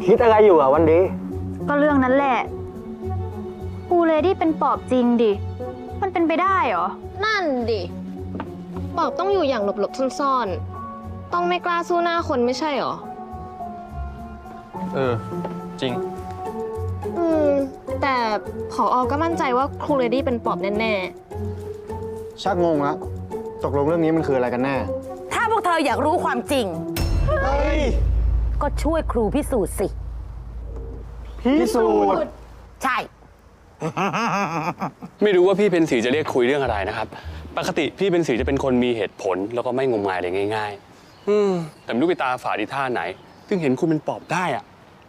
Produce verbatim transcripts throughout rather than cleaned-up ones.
คิดอะไรอยู่อ่ะวันดีก็เรื่องนั้นแหละครูเลดี้เป็นปอบจริงดิมันเป็นไปได้เหรอนั่นดิปอบต้องอยู่อย่างหลบๆซ่อนๆต้องไม่กล้าสู้หน้าคนไม่ใช่เหรอเออจริงอืมแต่ผอ.ก็มั่นใจว่าครูเลดี้เป็นปอบแน่ชักงงละตกลงเรื่องนี้มันคืออะไรกันแน่ถ้าพวกเธออยากรู้ความจริงเฮ้ยก็ช่วยครูพิสูจน์สิพิสูจน์ใช่ไม่รู้ว่าพี่เพนสีจะเรียกคุยเรื่องอะไรนะครับปกติพี่เพนสีจะเป็นคนมีเหตุผลแล้วก็ไม่งมงายอะไรง่ายๆอืมแต่ไม่รู้ไปตาฝาดีท่าไหนถึงเห็นคุณเป็นปอบได้อ่ะ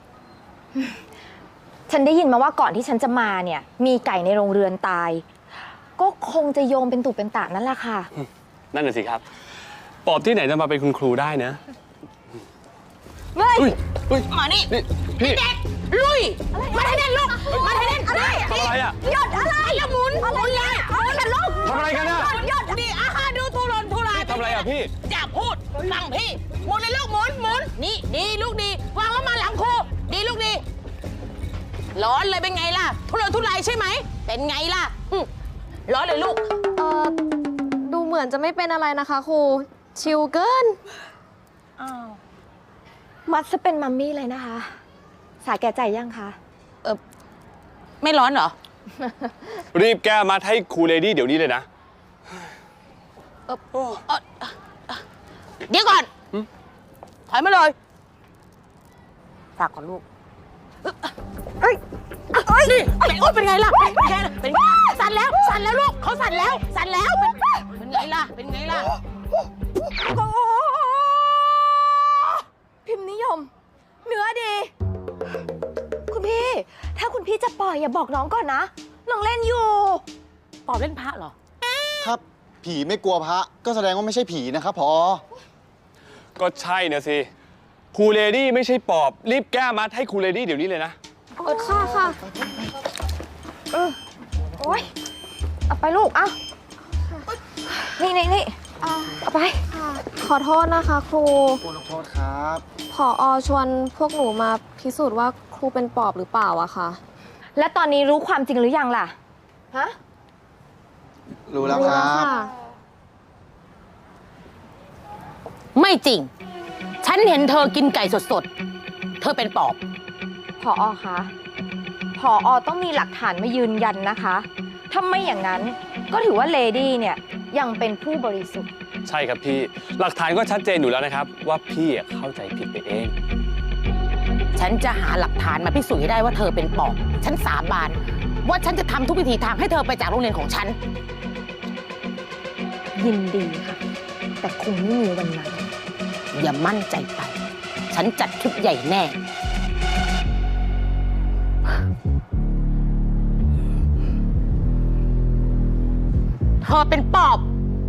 ฉันได้ยินมาว่าก่อนที่ฉันจะมาเนี่ยมีไก่ในโรงเรือนตายก็คงจะโยงเป็นตุเป็นตะนั่นแหละค่ะนั่นน่ะสิครับปอบที่ไหนจะมาเป็นคุณครูได้นะเฮ้ยเฮ้ยมานี่พี่เด็กลุยมาให้เด่นลูกมาให้เด่นอะไรทำอะไรอ่ะหยดอะไรละหมุนหมุนเลยหมุนกันลูกทำอะไรกันอ่ะหยดดิอาฮาดูทุรนทุรายทำอะไรอ่ะพี่อย่าพูดฟังพี่หมุนเลยลูกหมุนหมุนนี่ดีลูกดีวางแล้วมาหลังครูดีลูกดีร้อนเลยเป็นไงล่ะทุรนทุรายใช่ไหมเป็นไงล่ะร้อนเลยลูกๆเออดูเหมือนจะไม่เป็นอะไรนะคะครูชิลเกินอ้าวมัดจะเป็นมัมมี่เลยนะคะสาแก่ใจยังคะเออไม่ร้อนเหรอรีบแก้มัดให้ครูเลดี้เดี๋ยวนี้เลยนะเออเออเดี๋ยวก่อนถอยมาเลยฝากก่อนลูกเอ้ยเอ้ยนี่เป็นโอ๊ยเป็นไงล่ะเป็นไงล่ะเป็นไงสั่นแล้วสั่นแล้วลูกเขาสั่นแล้วสั่นแล้วเป็นไงล่ะเป็นไงล่ะพิมพ์นิยมเนื้อดีคุณพี่ถ้าคุณพี่จะปล่อยอย่าบอกน้องก่อนนะน้องเล่นอยู่ปอบเล่นพระเหรอถ้าผีไม่กลัวพระก็แสดงว่าไม่ใช่ผีนะครับผอ. ก็ใช่นะสิครูเลดี้ไม่ใช่ปอบรีบแก้มัดให้ครูเลดี้เดี๋ยวนี้เลยนะเออค่ะค่ะเออโอ๊ยเอาไปลูกเอานี่นี่นี่เอาไปขอโทษนะคะครูขอโทษครับผอ.ชวนพวกหนูมาพิสูจน์ว่าครูเป็นปอบหรือเปล่าอะค่ะและตอนนี้รู้ความจริงหรือยังล่ะฮะรู้แล้วครับไม่จริงฉันเห็นเธอกินไก่สดๆเธอเป็นปอบผอ.คะผอ.ต้องมีหลักฐานมายืนยันนะคะถ้าไม่อย่างนั้นก็ถือว่าเลดี้เนี่ยยังเป็นผู้บริสุทธิ์ใช่ครับพี่หลักฐานก็ชัดเจนอยู่แล้วนะครับว่าพี่เข้าใจผิดไปเองฉันจะหาหลักฐานมาพิสูจน์ให้ได้ว่าเธอเป็นปอบฉันสาบานว่าฉันจะทำทุกวิถีทางให้เธอไปจากโรงเรียนของฉันยินดีค่ะแต่คงไม่มีวันนั้นอย่ามั่นใจไปฉันจัดชุดใหญ่แน่เธอเป็นปอบ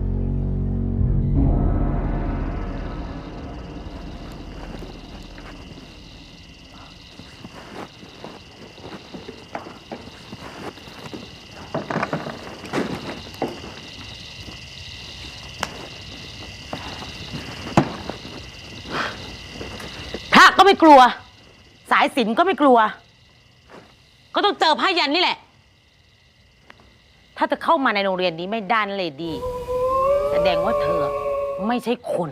พระก็ไม่กลัวสายสิญจน์ก็ไม่กลัวก็ต้องเจอผ้ายันนี่แหละถ้าจะเข้ามาในโรงเรียนนี้ไม่ได้นั่นเลยดีแสดงว่าเธอไม่ใช่คน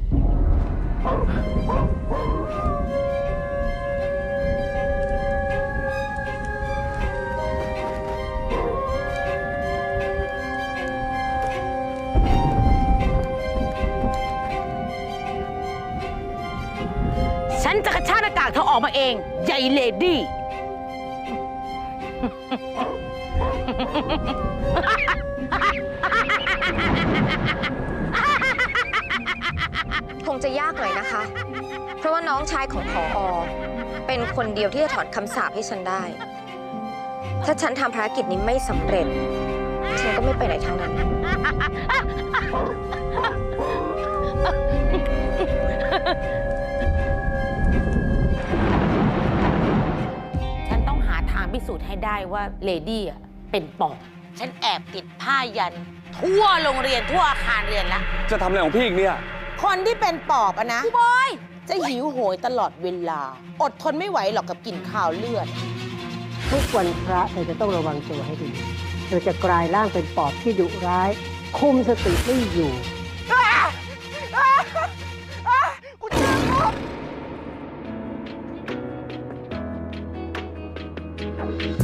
ฉันจะกระชากหน้ากากเธอออกมาเองใหญ่เลดี้คงจะยากหน่อยนะคะเพราะว่าน้องชายของผอ.เป็นคนเดียวที่จะถอนคำสาปให้ฉันได้ถ้าฉันทำภารกิจนี้ไม่สำเร็จฉันก็ไม่ไปไหนทางนั้นฉันต้องหาทางพิสูจน์ให้ได้ว่าเลดี้อ่ะเป็นปอบฉันแอบติดผ้ายันทั่วโรงเรียนทั่วอาคารเรียนละจะทำอะไรของพี่อีกเนี่ยคนที่เป็นปอบอะนะพี่บอยจะหิวโหยตลอดเวลา อดทนไม่ไหวหรอกกับกลิ่นข่าวเลือดทุกวันพระเธอจะต้องระวังตัวให้ดี เธอจะกลายร่างเป็นปอบที่ดุร้าย คุมสติไม่อยู่กูเจอแล้ว